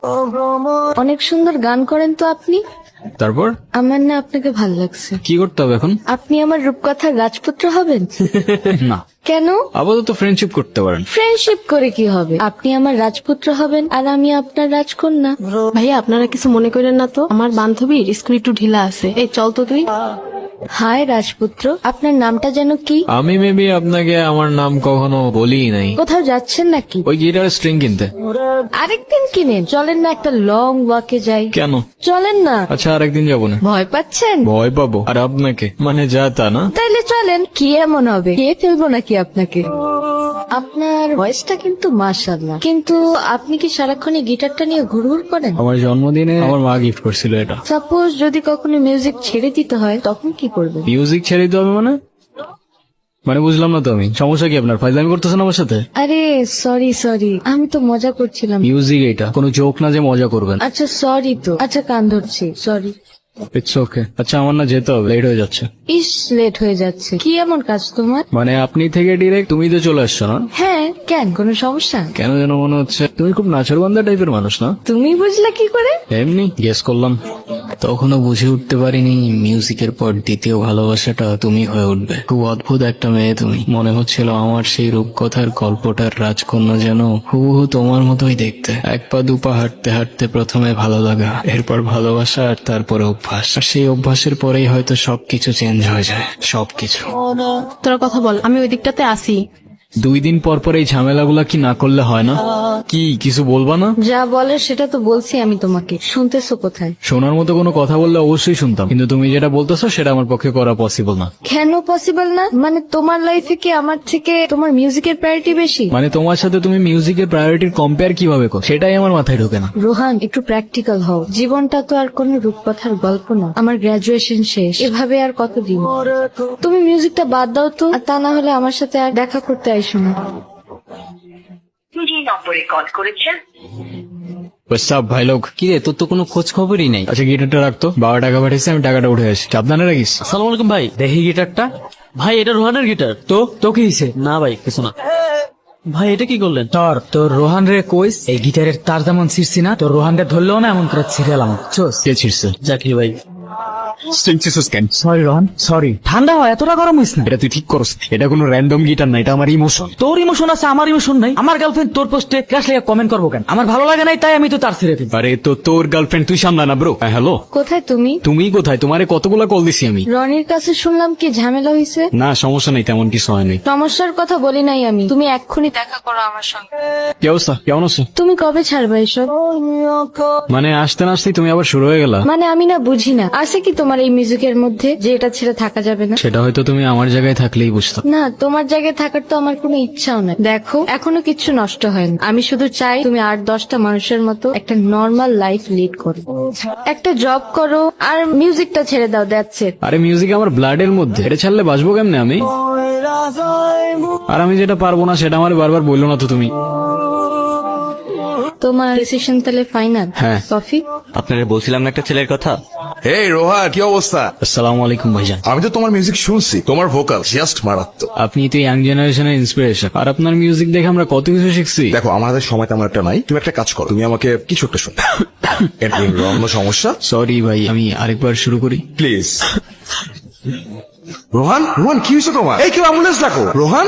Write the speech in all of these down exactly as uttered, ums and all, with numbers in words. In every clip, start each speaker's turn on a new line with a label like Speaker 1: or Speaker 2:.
Speaker 1: অনেক সুন্দর গান করেন তো আপনি।
Speaker 2: তারপর
Speaker 1: আমার না আপনাকে ভাল লাগছে।
Speaker 2: কি করতে হবে এখন?
Speaker 1: আপনি আমার রূপকথার রাজপুত্র হবেন।
Speaker 2: না,
Speaker 1: কেন?
Speaker 2: আপাতত ফ্রেন্ডশিপ করতে পারেন।
Speaker 1: ফ্রেন্ডশিপ করে কি হবে? আপনি আমার রাজপুত্র হবেন আর আমি আপনার রাজকন্যা।
Speaker 3: ভাইয়া আপনারা কিছু মনে করেন না তো, আমার বান্ধবীর স্কুল একটু ঢিলা আছে, এই চল তো তুই।
Speaker 1: হাই রাজপুত্র, আপনার নামটা যেন কি?
Speaker 2: আমি মেবি আপনাকে আমার নাম কখনো বলিই নাই।
Speaker 1: কোথাও যাচ্ছেন নাকি?
Speaker 2: ওই গিটার স্ট্রিং কিনতে।
Speaker 1: আরেকদিন কিনেন, চলেন না একটা লং ওয়াকে যাই।
Speaker 2: কেন?
Speaker 1: চলেন না।
Speaker 2: আচ্ছা আরেকদিন যাবো না।
Speaker 1: ভয় পাচ্ছেন?
Speaker 2: ভয় পাবো আর আপনাকে? মানে যা তা না।
Speaker 1: তাইলে চলেন। কি এমন হবে, খেয়ে ফেলবো নাকি আপনাকে? আপনার ভয়েসটা কিন্তু মাশাআল্লাহ, কিন্তু আপনি কি সারাক্ষণ এই গিটারটা নিয়ে ঘুরঘুর করেন?
Speaker 2: আমার জন্মদিনে আমার মা গিফট করছিল এটা।
Speaker 1: সাপোজ যদি কখনো মিউজিক ছেড়ে দিতে হয় তখন কি করবেন?
Speaker 2: মিউজিক ছেড়ে দিতে হবে মানে? মানে বুঝলাম না তো আমি। সমস্যা কি আপনার? ফাইজলামি করতেছেন আমার সাথে?
Speaker 1: আরে সরি সরি, আমি তো মজা করছিলাম।
Speaker 2: মিউজিক এটা কোনো জোক না যে মজা করবেন।
Speaker 1: আচ্ছা সরি তো, আচ্ছা কান ধরছি, সরি।
Speaker 2: It's okay. আচ্ছা আমার না যেতে হবে, লেট হয়ে যাচ্ছে।
Speaker 1: ইস লেট হয়ে যাচ্ছে, কি এমন কাজ তোমার?
Speaker 2: মানে আপনি থেকে ডিরেক্ট তুমি তো চলে আসছো না?
Speaker 1: হ্যাঁ কেন, কোনো সমস্যা?
Speaker 2: কেন যেন মনে হচ্ছে তুমি খুব নাচরবান্ধা টাইপের মানুষ না?
Speaker 1: তুমি বুঝলা কি করে?
Speaker 2: এমনি গেস করলাম। তখনও বুঝে উঠতে পারিনি মিউজিকের পর দ্বিতীয় ভালোবাসাটা তুমি হয়ে উঠবে। খুব অদ্ভুত একটা মেয়ে তুমি। মনে হচ্ছিল আমার সেই রূপকথার গল্পটার রাজকন্যা যেন হুবহু তোমার মতোই দেখতে। এক পা দুপা হাঁটতে হাঁটতে প্রথমে ভালো লাগা, এরপর ভালোবাসা, আর তারপরে অভ্যাস। আর সেই অভ্যাসের পরেই হয়তো সবকিছু চেঞ্জ হয়ে যায়, সবকিছু।
Speaker 3: তোরা কথা বল, আমি ওই দিকটাতে আসি।
Speaker 2: দুই দিন পর পর এই ঝামেলাগুলা কি না করলে হয় না? কি কিছু বলবা না?
Speaker 1: যা বলে সেটা তো বলছি আমি তোমাকে, শুনতেছো কোথায়?
Speaker 2: শোনার মতো কোনো কথা বললে অবশ্যই শুনতাম, কিন্তু তুমি যেটা বলতেছো সেটা আমার পক্ষে করা পসিবল না।
Speaker 1: কেন পসিবল না? মানে তোমার লাইফে কি আমার থেকে তোমার মিউজিকের প্রায়োরিটি বেশি?
Speaker 2: মানে তোমার সাথে তুমি মিউজিকের প্রায়োরিটির কম্পেয়ার কিভাবে করো সেটাই আমার মাথায় ঢোকে না।
Speaker 1: রোহান একটু প্র্যাকটিক্যাল হও, জীবনটা তো আর কোনো রূপকথার গল্প না। আমার গ্রাজুয়েশন শেষ, এভাবে আর কতদিন? তুমি মিউজিকটা বাদ দাও তো, আর তা না হলে আমার সাথে আর দেখা করতে আইসো না।
Speaker 4: যে নম্বরে কল করেছেন
Speaker 2: সব ভাই লোক।
Speaker 5: কি রে, তোর তো কোনো খোঁজ খবরই নেই।
Speaker 2: আচ্ছা গিটারটা রাখতো, বাবা টাকা পাঠিয়েছে, আমি টাকাটা উঠে আসি। সাবধানে রাখিস।
Speaker 5: আসসালামু আলাইকুম ভাই, দেখি গিটারটা। ভাই এটা রোহানের গিটার। তো তো কি হয়েছে? না ভাই কিছু না। ভাই এটা কি করলেন?
Speaker 6: তোর তোর রোহান রে কইস এই গিটারের তার যেমন ছিঁড়ছি না, তোর রোহান রে ধরলেও না এমন করে ছিঁড়ালাম। চোস
Speaker 2: কে ছিড়ছে?
Speaker 5: জাকির ভাই।
Speaker 6: Sorry Rohan, sorry. ঠান্ডা হয়, এতটা গরম হইস না।
Speaker 2: এটা তুই ঠিক করস। এটা কোনো র্যান্ডম গিটার না, এটা আমার ইমোশন।
Speaker 6: তোর ইমোশন আছে, আমার ইমোশন নাই। আমার গার্লফ্রেন্ড তোর পোস্টে ক্রাশ লেগে কমেন্ট করবো কেন? আমার ভালো লাগে নাই তাই আমি তো তার ছেড়ে দিই।
Speaker 2: আরে তো তোর গার্লফ্রেন্ড তুই সামলা না ব্রো। হ্যালো,
Speaker 1: কোথায় তুমি?
Speaker 2: তুমি কোথায়? তোমারে কতগুলা কল দিছি আমি।
Speaker 1: রনির কাছে শুনলাম কি ঝামেলা হয়েছে।
Speaker 2: না সমস্যা নেই, তেমন কিছু হয়নি।
Speaker 1: সমস্যার কথা বলি নাই আমি, তুমি এক্ষুনি দেখা করো আমার সঙ্গে।
Speaker 2: কি অবস্থা, কেমন আছো?
Speaker 1: তুমি কবে ছাড়বে এসব?
Speaker 2: মানে আসতে না আসতেই তুমি আবার শুরু হয়ে গেলা।
Speaker 1: মানে আমি না বুঝি না, আছে কি তোমার এই মিউজিকের মধ্যে যে এটা ছেড়ে থাকা যাবে না?
Speaker 2: সেটা হয়তো তুমি আমার জায়গায় থাকলেই বুঝতাম।
Speaker 1: না, তোমার জায়গায় থাকার তো আমার কোনো ইচ্ছাও নাই। দেখো এখনো কিচ্ছু নষ্ট হয়নি, আমি শুধু চাই তুমি আট দশটা মানুষের মতো একটা নর্মাল লাইফ লিড করো, একটা জব করো আর মিউজিকটা ছেড়ে দাও। That's it.
Speaker 2: আরে মিউজিক আমার ব্লাডের মধ্যে, এটা ছাড়লে বাঁচবো কেমনে আমি? আর আমি যেটা পারবো না সেটা আমার বারবার বললো না তো তুমি।
Speaker 1: তোমার ডিসিশন তাহলে ফাইনাল?
Speaker 2: হ্যাঁ।
Speaker 1: কফি?
Speaker 5: আপনারা বলছিলাম না একটা ছেলের কথা।
Speaker 7: এই রোহা, কি অবস্থা?
Speaker 2: আসসালামু আলাইকুম ভাইজান।
Speaker 7: আমি তো তোমার মিউজিক শুনছি, তোমার ভোকাল জাস্ট মারাত্মক।
Speaker 2: আপনি তো ইয়াং জেনারেশনের ইন্সপিরেশন, আর আপনার মিউজিক দেখে আমরা কত কিছু শিখছি।
Speaker 7: দেখো আমাদের সময় তেমন একটা নাই, তুমি একটা কাজ করো, তুমি আমাকে কিছু একটা শোনো। এর অন্য সমস্যা?
Speaker 2: সরি ভাই, আমি আরেকবার শুরু করি
Speaker 7: প্লিজ। রোহান, রোহান কি হয়েছে তোমার? এই কেউ অ্যাম্বুলেন্স ডাকো। রোহান,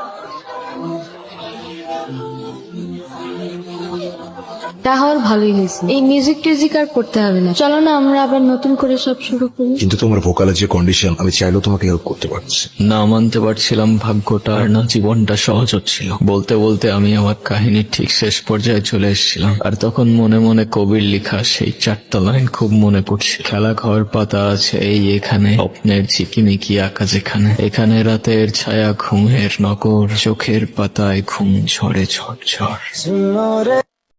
Speaker 1: তা হওয়ার ভালোই হয়েছে, এই মিউজিক টিউজিক আর করতে হবে না। চলো না আমরা আবার নতুন করে সব শুরু করি।
Speaker 7: কিন্তু তোমার ভোকালের যে কন্ডিশন, আমি চাইলেও তোমাকে হেল্প করতে পারছি।
Speaker 2: না মানতে পারছিলাম ভাগ্যটা, আর না জীবনটা সহজ হচ্ছিল। বলতে বলতে আমি আমার কাহিনীর ঠিক শেষ পর্যায়ে চলে এসেছিলাম, আর তখন মনে মনে কবির লেখা সেই চারটা লাইন খুব মনে পড়ছে। খেলা ঘর পাতা আছে এই এখানে, স্বপ্নের ঝিকিমিকি আঁকা যেখানে, এখানে রাতের ছায়া ঘুমের নগর, চোখের পাতায় ঘুম ঝরে ঝড় ঝড়।